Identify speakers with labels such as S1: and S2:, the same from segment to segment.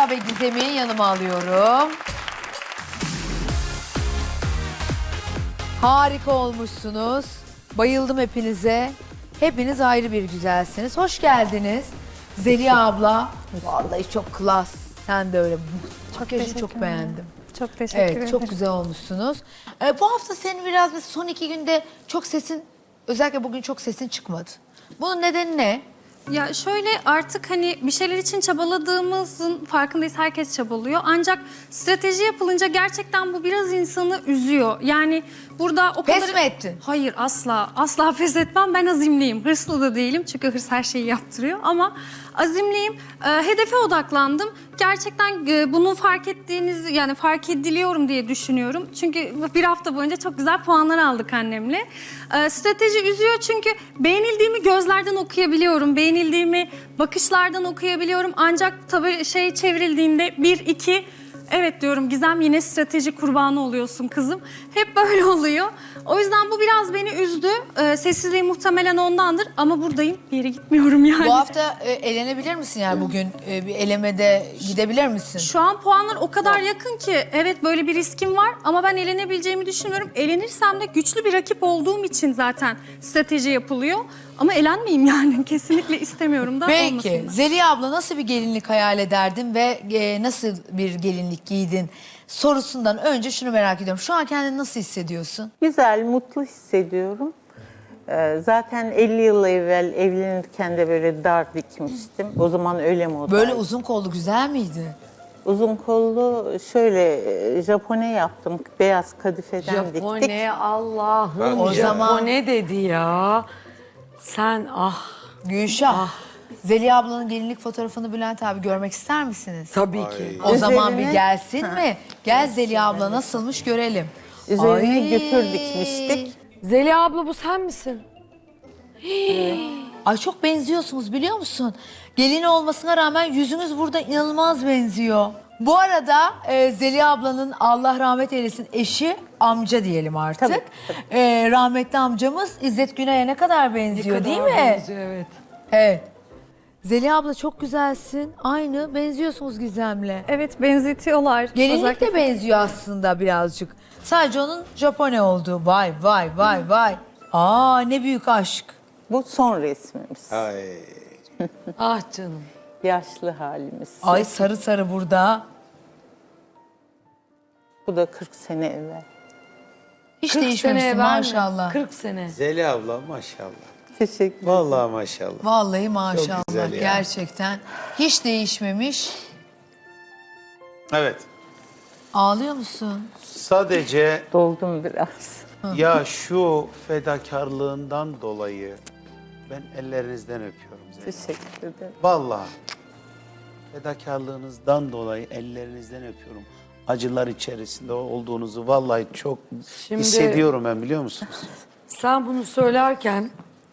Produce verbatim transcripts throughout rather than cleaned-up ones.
S1: Derya ve Gizem'i yanıma alıyorum. Harika olmuşsunuz. Bayıldım hepinize. Hepiniz ayrı bir güzelsiniz. Hoş geldiniz. Zeliha abla. Vallahi çok klas. Sen de öyle. Makyajı çok beğendim.
S2: Çok teşekkür
S1: Evet,
S2: ederim.
S1: çok güzel olmuşsunuz. Ee, bu hafta senin biraz mesela son iki günde çok sesin, özellikle bugün çok sesin çıkmadı. Bunun nedeni ne?
S2: Ya şöyle artık hani bir şeyler için çabaladığımızın farkındayız. Herkes çabalıyor. Ancak strateji yapılınca gerçekten bu biraz insanı üzüyor. Yani burada o kadar...
S1: Pes mi ettin?
S2: Hayır asla. Asla pes etmem. Ben azimliyim. Hırslı da değilim. Çünkü hırs her şeyi yaptırıyor. Ama azimliyim. Ee, hedefe odaklandım. Gerçekten e, bunu fark ettiğiniz yani fark ediliyorum diye düşünüyorum. Çünkü bir hafta boyunca çok güzel puanlar aldık annemle. Ee, strateji üzüyor çünkü beğenildiğimi gözlerden okuyabiliyorum. Beğenildiğimi bakışlardan okuyabiliyorum. Ancak tabii şey çevrildiğinde bir, iki... Evet diyorum Gizem yine strateji kurbanı oluyorsun kızım. Hep böyle oluyor. O yüzden bu biraz beni üzdü. Ee, sessizliği muhtemelen ondandır ama buradayım. Bir yere gitmiyorum yani.
S1: Bu hafta e, elenebilir misin yani bugün e, bir elemede gidebilir misin?
S2: Şu an puanlar o kadar yakın ki evet böyle bir riskim var ama ben elenebileceğimi düşünmüyorum. Elenirsem de güçlü bir rakip olduğum için zaten strateji yapılıyor. Ama elenmeyeyim yani kesinlikle istemiyorum da
S1: Peki
S2: olmasın.
S1: Zeliha abla nasıl bir gelinlik hayal ederdin ve e, nasıl bir gelinlik giydin sorusundan önce şunu merak ediyorum. Şu an kendini nasıl hissediyorsun?
S3: Güzel, mutlu hissediyorum. Ee, zaten elli yıl evvel evlenirken de böyle dar dikmiştim. O zaman öyle moda.
S1: Böyle uzun kollu güzel miydi?
S3: Uzun kollu şöyle e, Japone yaptım. Beyaz kadifeden diktik.
S4: Japone Allah'ım.
S1: O zaman-
S4: Japone dedi ya. Sen ah
S1: Gülşah. Zeliha ablanın gelinlik fotoğrafını Bülent abi görmek ister misiniz?
S4: tabii ki.
S1: O zaman bir
S3: Üzerine-
S1: gelsin mi? Gel Zeliha abla nasılmış görelim.
S3: Üzerine
S1: Ay.
S3: götür dikmiştik.
S4: Zeliha abla bu sen misin?
S1: Ay çok benziyorsunuz biliyor musun? Gelin olmasına rağmen yüzünüz burada inanılmaz benziyor. Bu arada e, Zeliha ablanın Allah rahmet eylesin eşi amca diyelim artık.
S3: Tabii, tabii.
S1: E, rahmetli amcamız İzzet Güney'e ne kadar benziyor
S4: Ne
S1: değil
S4: kadar
S1: mi?
S4: benziyor, evet.
S1: Evet. Zeliha abla çok güzelsin. Aynı benziyorsunuz Gizem'le.
S2: Evet benzetiyorlar.
S1: Gelinlik
S2: Özellikle-
S1: de benziyor aslında birazcık. Sadece onun Japone olduğu. Vay vay vay vay. Aa ne büyük aşk.
S3: Bu son resmimiz.
S5: Ay.
S4: Ah canım.
S3: Yaşlı halimiz.
S1: Ay sarı sarı burada.
S3: Bu da kırk sene evvel.
S1: Hiç
S4: kırk sene
S1: değişmemişsin
S4: evvel mi?
S1: maşallah.
S4: kırk sene.
S5: Zeliha abla maşallah.
S3: Teşekkür ederim.
S5: Vallahi maşallah.
S1: Vallahi maşallah
S5: güzel ya.
S1: gerçekten. Hiç değişmemiş.
S5: Evet.
S1: Ağlıyor musun?
S5: Sadece
S3: Doldum biraz.
S5: ya şu fedakarlığından dolayı ben ellerinizden öpüyorum Zeliha.
S3: Teşekkür ederim.
S5: Vallahi fedakarlığınızdan dolayı ellerinizden öpüyorum. Acılar içerisinde olduğunuzu vallahi çok
S4: Şimdi-
S5: hissediyorum ben biliyor musunuz?
S4: Sen bunu söylerken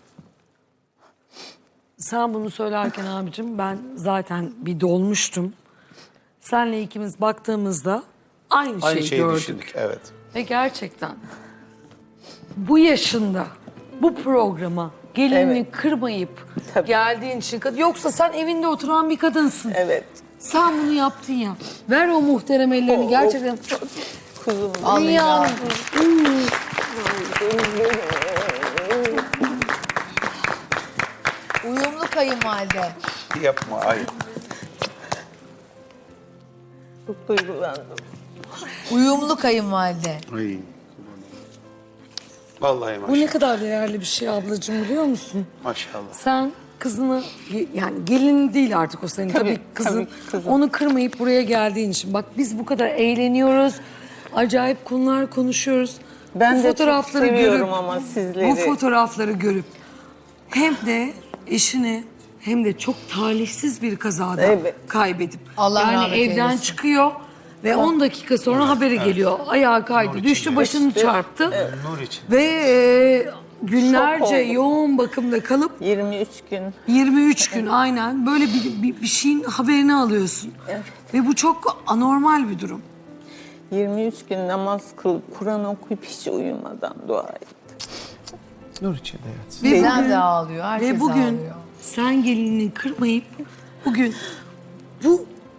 S4: sen bunu söylerken abicim ben zaten bir dolmuştum. Senle ikimiz baktığımızda aynı,
S5: Aynı
S4: şeyi
S5: şeyi
S4: gördük.
S5: düşündük evet.
S4: Ve gerçekten bu yaşında bu programa gelinini
S3: Evet.
S4: kırmayıp
S3: Tabii.
S4: geldiğin için yoksa sen evinde oturan bir kadınsın.
S3: Evet.
S4: Sen bunu yaptın ya. Ver o muhterem ellerini gerçekten.
S3: Kuzum.
S1: Vallahi
S4: Dünyanın
S1: uyumlu kayınvalide.
S5: Yapma ay.
S3: Çok duygulandım.
S1: Uyumlu kayınvalide.
S5: Ay. Vallahi
S4: bu
S5: maşallah.
S4: ne kadar değerli bir şey ablacığım biliyor musun?
S5: Maşallah.
S4: Sen kızını yani gelin değil artık o senin tabii,
S3: Tabii,
S4: kızın.
S3: tabii, kızım.
S4: Onu kırmayıp buraya geldiğin için. Bak biz bu kadar eğleniyoruz. Acayip konular konuşuyoruz.
S3: Ben
S4: bu
S3: de çok seviyorum ama sizleri.
S4: Bu fotoğrafları görüp hem de eşini hem de çok talihsiz bir kazada
S3: Evet.
S4: kaybedip
S1: Allah
S4: yani
S1: rahmet
S4: evden
S1: eylesin.
S4: çıkıyor ve on dakika sonra haberi geliyor. Ayağa kaydı, düştü, başını çarptı.
S5: Nur için.
S4: Ve e, günlerce
S3: Şok oldum.
S4: yoğun bakımda kalıp
S3: yirmi üç gün.
S4: yirmi üç gün aynen böyle bir, bir, bir şeyin haberini alıyorsun.
S3: Evet.
S4: Ve bu çok anormal bir durum.
S3: yirmi üç gün namaz kılıp Kur'an okuyup hiç uyumadan dua ettim.
S5: Nur için evet.
S4: Ve
S1: Gizem
S4: bugün,
S1: de ağlıyor. Herkes
S4: ve bugün
S1: ağlıyor.
S4: sen gelinini kırmayıp bugün bu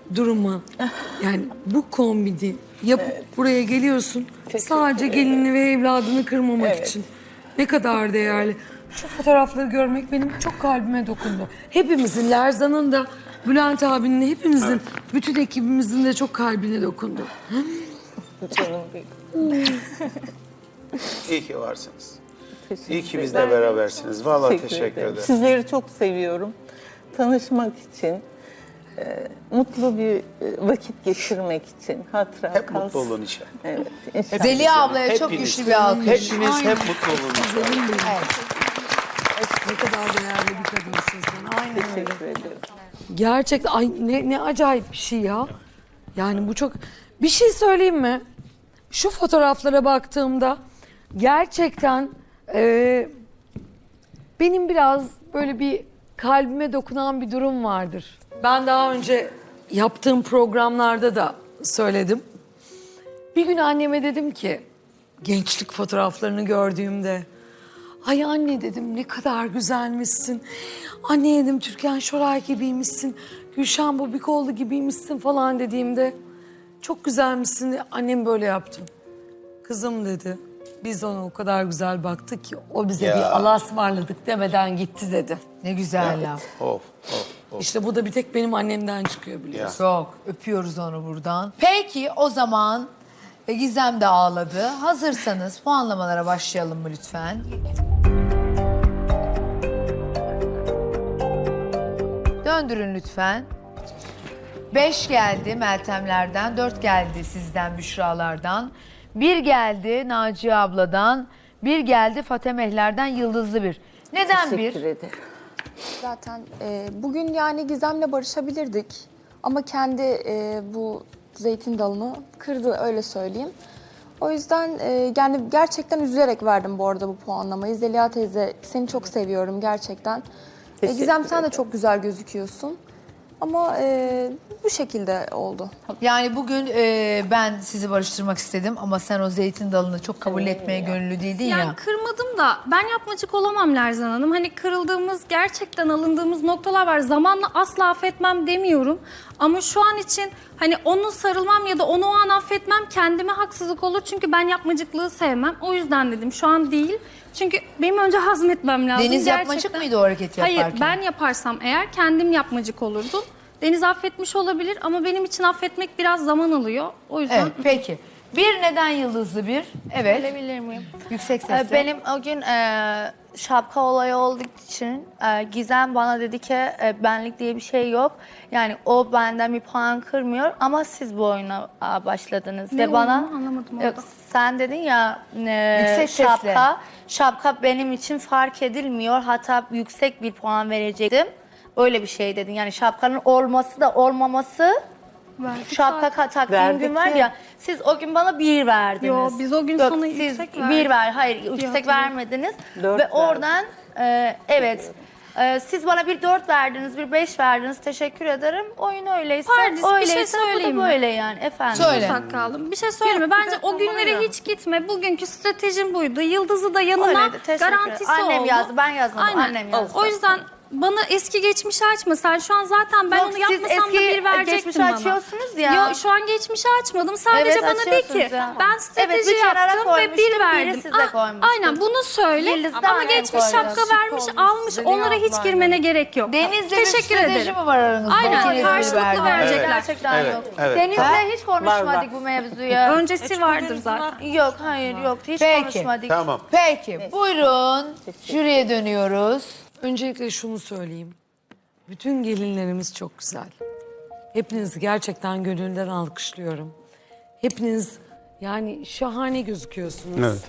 S4: durumu. Yani bu kombini yapıp buraya geliyorsun. Sadece gelini ve evladını kırmamak için. Ne kadar değerli. Şu fotoğrafları görmek benim çok kalbime dokundu. Hepimizin, Lerzan'ın da, Bülent abinin, hepimizin, bütün ekibimizin de çok kalbine dokundu.
S3: Canım benim.
S5: İyi ki varsınız.
S3: Teşekkür
S5: İyi ki
S3: ederim.
S5: bizle berabersiniz. Vallahi teşekkür ederim.
S3: Sizleri çok seviyorum. Tanışmak için, e, mutlu bir e, vakit geçirmek için, hatıra
S5: Hep
S3: kalsın.
S5: mutlu olun inşallah.
S3: Evet, inşallah.
S1: Zeliha ablaya çok
S5: Hepiniz.
S1: güçlü bir alkış.
S5: Hepiniz hep mutlu olun inşallah.
S4: Ne kadar değerli bir kadınsın sen. Aynen öyle.
S3: Teşekkür ederim.
S4: Gerçekten ay ne, ne acayip bir şey ya. Yani bu çok... Bir şey söyleyeyim mi? Şu fotoğraflara baktığımda gerçekten e, benim biraz böyle bir kalbime dokunan bir durum vardır. Ben daha önce yaptığım programlarda da söyledim. Bir gün anneme dedim ki gençlik fotoğraflarını gördüğümde ay anne dedim ne kadar güzelmişsin. Anne dedim Türkan Şoray gibiymişsin. Gülşen Bubikoğlu gibiymişsin falan dediğimde çok güzelmişsin. Annem böyle yaptı. Kızım dedi. Biz ona o kadar güzel baktık ki o bize
S5: Ya.
S4: bir Allah'a ısmarladık demeden gitti dedi.
S1: Ne güzel laf.
S5: Of, of, of.
S4: İşte bu da bir tek benim annemden çıkıyor biliyorsun.
S1: Çok. Öpüyoruz onu buradan. Peki o zaman e, Gizem de ağladı. Hazırsanız puanlamalara başlayalım mı lütfen? Döndürün lütfen. Beş geldi Meltemlerden, dört geldi sizden, Büşralardan. Bir geldi Naciye abladan, bir geldi Fatemehler'den, yıldızlı bir. Neden bir?
S3: Teşekkür ederim.
S6: Zaten e, bugün yani Gizem'le barışabilirdik. Ama kendi e, bu zeytin dalını kırdı öyle söyleyeyim. O yüzden e, yani gerçekten üzülerek verdim bu arada bu puanlamayı. Zeliha teyze seni çok seviyorum gerçekten. E,
S3: Teşekkür
S6: Gizem sen de
S3: ederim.
S6: çok güzel gözüküyorsun. Ama e, bu şekilde oldu.
S1: Yani bugün e, ben sizi barıştırmak istedim ama sen o zeytin dalını çok kabul etmeye gönüllü değildin
S2: Yani
S1: ya.
S2: kırmadım da ben yapmacık olamam Lerzan Hanım. Hani kırıldığımız, gerçekten alındığımız noktalar var. Zamanla asla affetmem demiyorum. Ama şu an için hani onu sarılmam ya da onu o an affetmem kendime haksızlık olur. Çünkü ben yapmacıklığı sevmem. O yüzden dedim şu an değil. Çünkü benim önce hazmetmem lazım.
S1: Deniz
S2: Gerçekten.
S1: yapmacık mıydı o hareketi yaparken?
S2: Hayır, ben yaparsam eğer kendim yapmacık olurdum. Deniz affetmiş olabilir ama benim için affetmek biraz zaman alıyor. O yüzden
S1: Evet, peki. Bir neden yıldızlı bir? Evet.
S7: Söyleyebilir miyim?
S1: Yüksek
S7: Ee,
S1: sesle.
S7: Benim o gün e, şapka olayı olduğu için e, Gizem bana dedi ki e, benlik diye bir şey yok. Yani o benden bir puan kırmıyor ama siz bu oyuna a, başladınız.
S2: Ne
S7: Ve bana
S2: olduğunu anlamadım
S7: Yok,
S2: orada.
S7: sen dedin ya e,
S1: Yüksek sesle.
S7: şapka, şapka benim için fark edilmiyor. Hatta yüksek bir puan verecektim. Öyle bir şey dedin. Yani şapkanın olması da olmaması
S2: Verdik
S7: şapka
S2: zaten.
S7: taktığım
S3: Verdik
S7: gün var
S3: ya.
S7: ya, siz o gün bana bir verdiniz.
S2: Yo, biz o gün
S7: Yok,
S2: sana
S7: siz
S2: yüksek
S7: bir
S2: verdik.
S7: ver, hayır yüksek
S2: hatırlıyorum.
S7: vermediniz.
S3: Dört
S7: Ve
S3: verdim.
S7: oradan e, evet e, siz bana bir dört verdiniz, bir beş verdiniz. Teşekkür ederim. Oyun öyleyse
S2: Pardis, bir şey
S7: öyleyse bu
S2: söyleyeyim
S7: da
S2: mi?
S7: böyle yani efendim.
S1: Söyle.
S2: Ufak kaldım. Bir şey söyleyeyim mi? Bence o günlere hiç gitme. Bugünkü stratejim buydu. Yıldız'ı da yanına
S7: Öyleydi, teşekkür ederim.
S2: garantisi
S7: Annem
S2: oldu.
S7: yazdı, ben yazmadım,
S2: Aynen.
S7: annem yazdı.
S2: O yüzden bana eski geçmişi açma. Sen şu an zaten ben
S7: Yok,
S2: onu
S7: siz
S2: yapmasam da
S7: eski
S2: bir verecektin
S7: geçmişi
S2: bana.
S7: açıyorsunuz ya.
S2: Yok şu an geçmişi açmadım. Sadece
S7: Evet,
S2: bana de
S7: açıyorsunuz
S2: ki
S7: ya.
S2: ben strateji
S7: Evet, bir kenara
S2: yaptım ve
S7: koymuştum,
S2: bir
S7: biri
S2: verdim.
S7: size
S2: Ah,
S7: koymuştum.
S2: aynen bunu söyle.
S7: Yıldız'da
S2: Ama
S7: annem
S2: geçmiş
S7: koydu.
S2: şapka
S7: Şık
S2: vermiş,
S4: olmuş.
S2: almış.
S4: Zeliha
S2: Onlara hiç
S4: ablayla.
S2: girmene gerek yok.
S1: Deniz'le bir
S2: Teşekkür
S1: strateji
S2: ederim.
S1: mi var aranızda?
S2: Aynen,
S1: İkiniz
S2: karşılıklı
S1: birbirine.
S2: verecekler.
S7: Gerçekten
S5: Evet,
S7: yok.
S5: evet.
S7: Deniz'le hiç konuşmadık
S3: Var, var.
S7: bu mevzuya.
S2: Öncesi vardır zaten.
S7: Yok, hayır, yok. Hiç
S1: Peki.
S7: konuşmadık.
S5: Tamam.
S1: Peki, buyurun. Jüriye dönüyoruz.
S4: Öncelikle şunu söyleyeyim. Bütün gelinlerimiz çok güzel. Hepinizi gerçekten gönülden alkışlıyorum. Hepiniz yani şahane gözüküyorsunuz.
S5: Evet.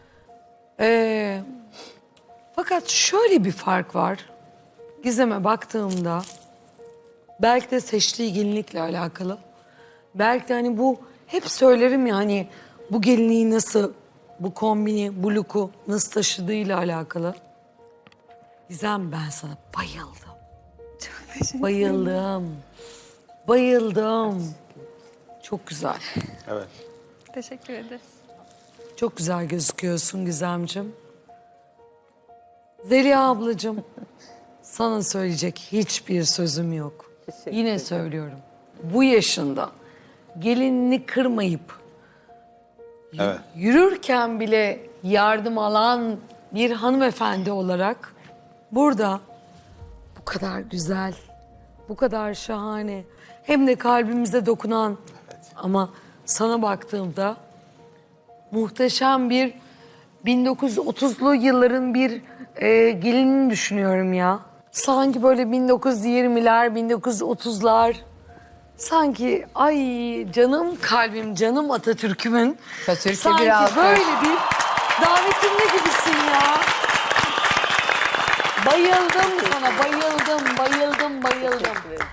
S4: Ee, fakat şöyle bir fark var. Gizem'e baktığımda belki de seçtiği gelinlikle alakalı. Belki de hani bu hep söylerim ya hani bu gelinliği nasıl, bu kombini, bu look'u nasıl taşıdığıyla alakalı. Gizem ben sana bayıldım. Bayıldım. Bayıldım. Çok güzel.
S5: Evet.
S2: Teşekkür ederiz.
S4: Çok güzel gözüküyorsun Gizemciğim. Zeliha ablacığım, sana söyleyecek hiçbir sözüm yok.
S3: Teşekkür
S4: Yine
S3: ederim.
S4: söylüyorum. bu yaşında gelinini kırmayıp y-
S5: Evet.
S4: yürürken bile yardım alan bir hanımefendi olarak burada bu kadar güzel, bu kadar şahane, hem de kalbimize dokunan ama sana baktığımda muhteşem bir bin dokuz yüz otuzlu yılların bir e, gelinini düşünüyorum ya. Sanki böyle bin dokuz yüz yirmiler, bin dokuz yüz otuzlar. Sanki ay canım kalbim, canım Atatürk'ümün.
S1: Atatürk'e
S4: sanki
S1: bir alkış.
S4: böyle bir davetinde gibisin ya. Bayıldım sana, bayıldım, bayıldım, bayıldım.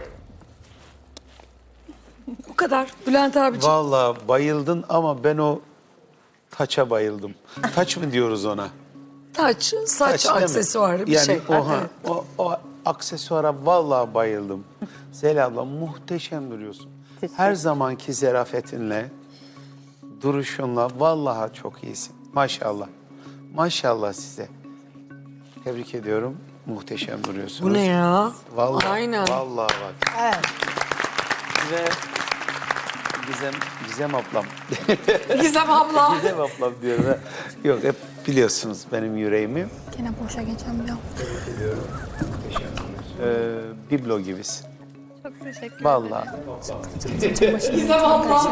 S4: Bu kadar. Bülent abiciğim.
S5: Vallahi bayıldın ama ben o taça bayıldım. Taç mı diyoruz ona?
S4: Taç, saç
S5: Taç değil mi?
S4: aksesuarı bir
S5: yani
S4: şey.
S5: o, ha,
S4: Evet.
S5: o, o aksesuara vallahi bayıldım. Zeliha abla muhteşem duruyorsun. Her zamanki zerafetinle, duruşunla vallahi çok iyisin. Maşallah. Maşallah size. Tebrik ediyorum. Muhteşem duruyorsunuz.
S4: Bu ne ya?
S5: Vallahi,
S4: Aynen.
S5: Vallahi bak.
S1: Evet.
S5: Ve Gizem, Gizem ablam.
S4: Gizem abla.
S5: Gizem ablam diyorum. ha. Yok hep biliyorsunuz benim yüreğimi.
S6: Gene boşa geçen bir an.
S5: Ee, biblo gibisin.
S2: Çok teşekkür ederim.
S5: Vallahi.
S4: Gizem abla.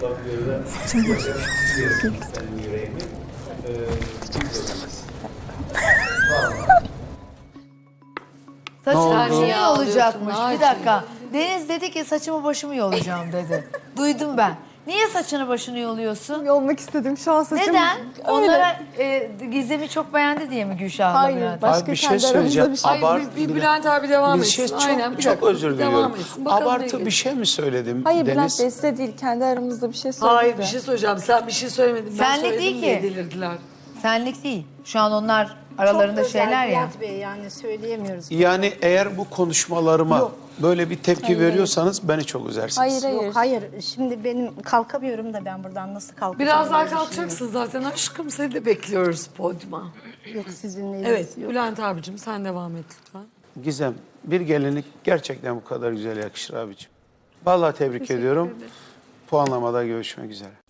S1: Saçlar
S4: oldu?
S1: niye
S4: Ya,
S1: olacakmış?
S4: diyorsun,
S1: Bir dakika. Deniz dedi ki saçımı başımı yolacağım dedi. Duydum ben. Niye saçını başını yoluyorsun?
S6: Yolmak istedim şu an saçım.
S1: Neden?
S6: Öyle.
S1: Onlara e, Gizem'i çok beğendi diye mi Gülşah abla?
S6: Hayır,
S1: Bülent?
S6: başka
S5: Abi bir şey
S6: kendi aramızda
S5: söyleyeceğim.
S6: bir şey.
S4: Ay,
S5: Abart,
S4: bir, bir Bülent abi devam
S5: bir
S4: etsin.
S5: şey çok,
S4: Aynen, bir
S5: çok
S4: dakika.
S5: özür diliyorum.
S4: Devam etsin. Bakalım
S5: Abartı
S4: ne
S5: bir şey mi söyledim
S6: Hayır
S5: Deniz?
S6: Bülent Bey size değil, kendi aramızda bir şey söyledim.
S4: Hayır bir şey söyleyeceğim. Sen bir şey söylemedin. Ben
S1: Senlik
S4: söyledim
S1: değil
S4: diye
S1: ki.
S4: delirdiler.
S1: Senlik değil. Şu an onlar aralarında şeyler ya.
S8: Bülent Bey, yani söyleyemiyoruz.
S5: Yani eğer bu konuşmalarıma böyle bir tepki veriyorsanız beni çok üzersiniz.
S6: Hayır hayır.
S8: Yok hayır, şimdi benim kalkamıyorum da ben buradan nasıl kalkacağım?
S4: Biraz daha
S8: diye
S4: kalkacaksın zaten aşkım. Seni de bekliyoruz podyuma.
S8: düşünüyorum. Yok sizinle
S4: Evet
S8: ilgisi yok.
S4: Bülent abicim sen devam et lütfen.
S5: Gizem, bir gelinlik gerçekten bu kadar güzel yakışır abiciğim. Vallahi tebrik ediyorum. Puanlamada görüşmek üzere.